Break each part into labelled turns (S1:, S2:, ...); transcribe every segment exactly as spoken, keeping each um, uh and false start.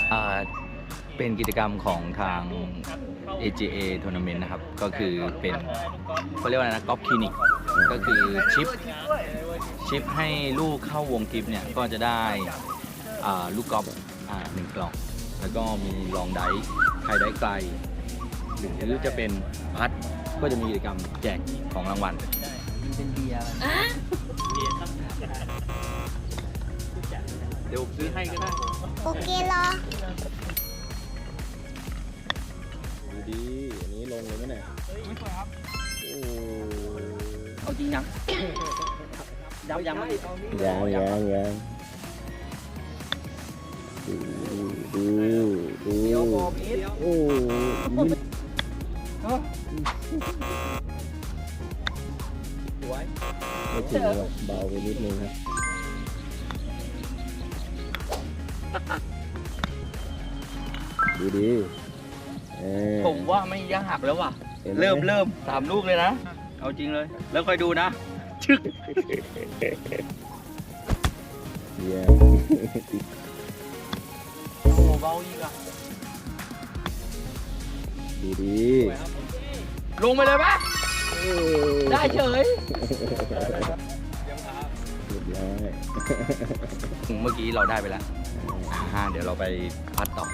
S1: อ่าเป็นกิจกรรมของทาง เอ เจ เอ Tournament นะครับก็คือเป็นเขาเรียกว่าอะไรนะกอล์ฟคลินิกก็คือชิปชิปให้ลูกเข้าวงกิฟเนี่ยก็จะได้อ่าลูกกอล์ฟอ่าหนึ่งกล่องแล้วก็มีลองไดฟ์ใครได้ไกลหรือจะเป็นพัดก็จะมีกิจกรรมแจกของรางวัลเป็นเบียร์เดี๋ยวซื้อให้ก็ได้
S2: โอเคเหรอ
S3: ดูดีอันนี้ลงเลยไหมเนี่ยไม่สวยครับโอ้
S1: เอาจริงยังยังยังไม่
S3: ยังยังยังดูดูดู
S1: เดี๋ยวบอกอีก
S3: โอ้
S1: สวย
S3: ไม่ถึงหรอกเบาไปนิดนึงครับดูดี
S1: ผมว่าไม่ยากแล้วว่ะเริ่มเริ่มสามลูกเลยนะเอาจริงเลยแล้วคอยดูนะชึก
S3: เยี่ยม
S1: โอ้เบาอีกอ่ะ
S3: ดูดี
S1: ลงไปเลยปะได้เฉยเมื่อกี้เราได้ไปแล้วอ่าเดี๋ยวเราไปพัดต่อ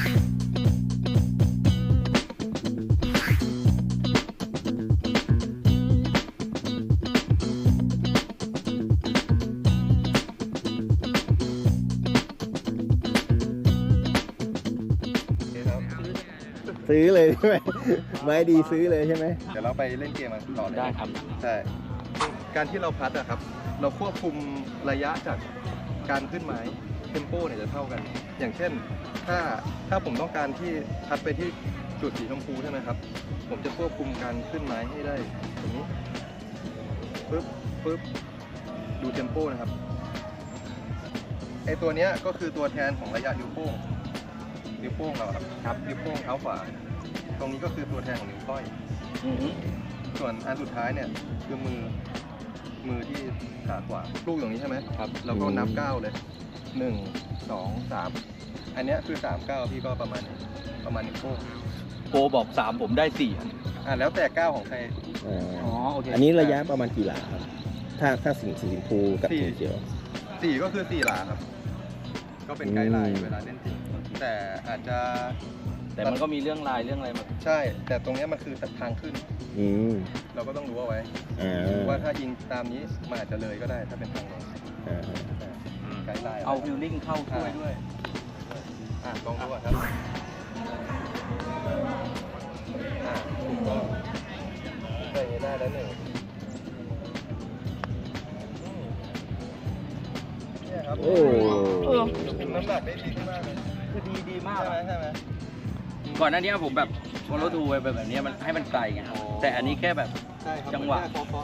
S3: ซื้อเลยใช่ไหมไม่ดีซื้อเลยใช่ไหม
S4: เดี๋ยวเราไปเล่นเกมกันต่อเลย
S1: ได้ครับ
S4: ใช่การที่เราพัดอะครับเราควบคุมระยะจากการขึ้นไม้เทมโปเนี่ยจะเท่ากัน อย่างเช่นถ้าถ้าผมต้องการที่พัดไปที่จุดสีชมพูใช่ไหมครับผมจะควบคุมการขึ้นไม้ให้ได้ตรงนี้ปึ๊บปึ๊บดูเทมโปนะครับไอตัวเนี้ยก็คือตัวแทนของระยะนิ้วโป้งนิ้วโป้งเราครับครับนิ้วโป้งเท้าขวาตรงนี้ก็คือตัวแทนของนิ้วก้อยส่วนอันสุดท้ายเนี่ยคือมือมือที่ขาขวาลูกอย่างนี้ใช่ไหมครับแล้วก็นับเก้าเลยหนึ่งสองสามอันนี้คือสามเก้าพี่ก็ประมาณประมาณนิ้วโป้ง
S1: โปบอกสามผมได้สี่
S4: อ่าแล้วแต่เก้าของใคร
S3: อ๋อโอเคอันนี้ระยะประมาณกี่หลาครับถ้าถ้าสีสีชมพูกับสีเขียว
S4: สี่ก็คือสี่หลาครับก็เป็นไกด์ไลน์เวลาเล่นจริงแต่อาจจะ
S1: แต่มันก็มีเรื่องลายเรื่องอะไรมา
S4: ใช่แต่ตรงนี้มันคือทางขึ้นเราก็ต้องรู้เอาไว้ว่าถ้ายิงตามนี้มันอาจจะเลยก็ได้ถ้าเป็นทางลงไกด์ไลน์
S1: เอาฟิลลิ่งเข้าช่วยด้วย
S4: อ่ะลองดูอ่ะครับอ่ะถูกต้องใส่ได้แล้วหนึ่งเนี่ยครับโอ้น้ำหนักได้ดีมากเลย
S1: คือดีดีมาก
S4: ใช่ไหมใช่ไหม
S1: ก่อนหน้านี้ผมแบบโมโนทูไปแบบนี้มันให้มันไกลไงแต่อันนี้แค่แบบจังหวะ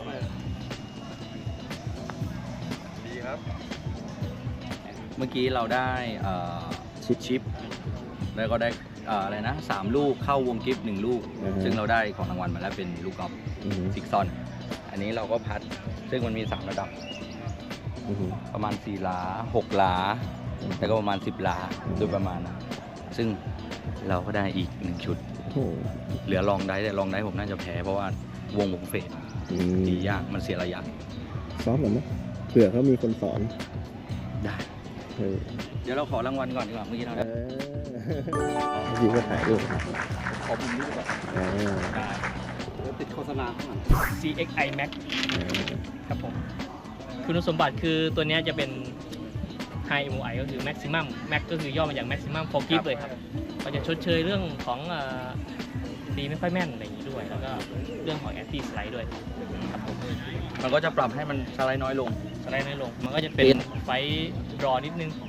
S4: ดีครับ
S1: เมื่อกี้เราได้ชิปชิปแล้วก็ได้อะไรนะสามลูกเข้าวงกิฟต์หนึ่งลูกซึ่งเราได้ของรางวัลมาแล้วเป็นลูกกอล์ฟซิกซอนอันนี้เราก็พัดซึ่งมันมีสามระดับประมาณสี่หลาหกหลาแล้วก็ประมาณสิบหลาโดยประมาณนะซึ่งเราก็ได้อีกหนึ่งชุดเหลือลองได้แต่ลองได้ผมน่าจะแพ้เพราะว่าวงผมเฟดดียากมันเสียระยะ
S3: ซ้อมหน่อยไหมเผื่อเขามีคนสอน
S1: ได้เดี๋ยวเราขอรางวัลก่อนดีกว่าเมื่อกี้เราได้
S3: ยิงก็ถ่ายรูป
S1: ขอบุญด้วยก่อนได้แล้วติดโฆษณาข้างหลัง
S5: ซี เอ็กซ์ ไอ Max ครับผมคุณสมบัติคือตัวนี้จะเป็น High เอ็ม โอ ไอ ก็คือ Maximum Max ก็คือย่อมาจาก Maximum for Grip เลยครับก็จะชดเชยเรื่องของตีไม่ค่อยแม่นอะไรอย่างนี้ด้วยแล้วก็เรื่องของ Anti Slide ด้วยครับผม
S1: มันก็จะปรับให้มันสไลด์น้อยลง
S5: สไลด์น้อยลงมันก็จะเป็นไฟรอนิดนึง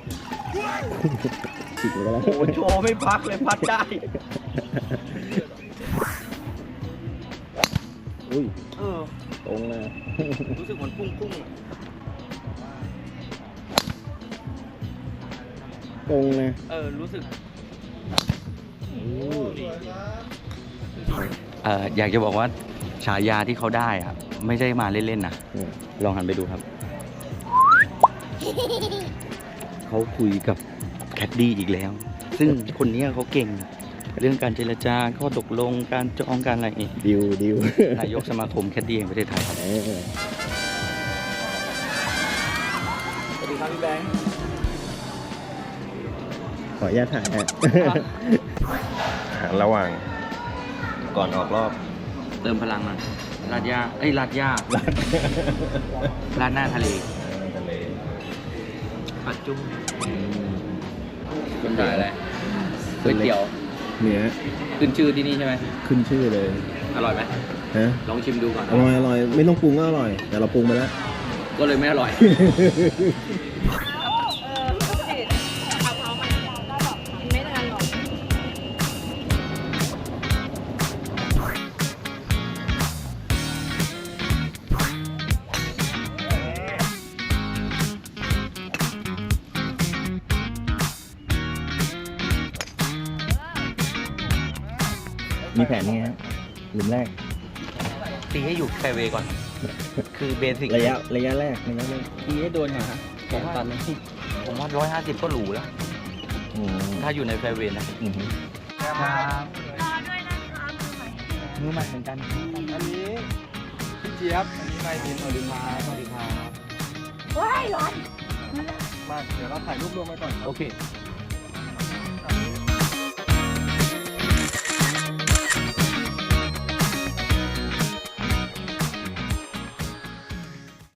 S1: โอ้โชว์ไม่พักเลยพัดได้
S3: อุ้ย
S1: เออ
S3: ตรงนะ
S1: รู้สึกเหมือนพุ่งๆ
S3: ตรงนะ
S1: เออรู้สึกเอออยากจะบอกว่าฉายาที่เขาได้อะไม่ใช่มาเล่นๆนะลองหันไปดูครับเขาคุยกับแคดดี้อีกแล้วซึ่งคนเนี้ยเขาเก่ง เรื่องการเจรจาก็ตกลงการจองการอะไรนี่
S3: ดิวดิวน
S1: ายกสมาคมแคดดี้แห่งประเทศไทยครับ
S3: เออ
S1: สวัสดีครับพี่แบงค์
S3: ขออนุญาตถ่ายฮะ ระหว่างก่อนออกรอบ
S1: เติมพลังมาลาดย่าเอ้ยลาดย่าลาดหน้าทะเล
S3: ทะเล
S1: ปัดจุ้งคุณถ่ายอะไรก๋วยเตี๋ยว
S3: เนื้อ
S1: ขึ้นชื่อที่นี่ใช่ไหม
S3: ขึ้นชื่อเลย
S1: อร่อยไหม
S3: ฮะ
S1: ลองชิมดูก่อน
S3: อร่อยอร่อยไม่ต้องปรุงก็อร่อย แต่เราปรุงไปแล้ว
S1: ก็เลยไม่อร่อย
S3: มีแผนยังไงฮะหลุมแรก
S1: ตีให้อยู่แฟร์เวย์ก่อน คือเบสิก
S3: ระยะระยะแรกระยะแรก
S5: ทีให้โดนก่อนครับแขนตันเลย
S1: ผมว่าร้อยห้าสิบก็หรูแล้ว
S3: อืม
S1: ถ้าอยู่ในแฟร์เวย์นะ
S3: อืม
S1: ครับมือใหม่เหมือนกัน
S4: อันนี้พี่เจี๊ยบ อันนี้นายหินสวัสดีครับ
S1: สวัสดีครับ
S4: มา เดี๋ยวเราถ่ายรูปรวมไปก่อนครับ
S1: โอเค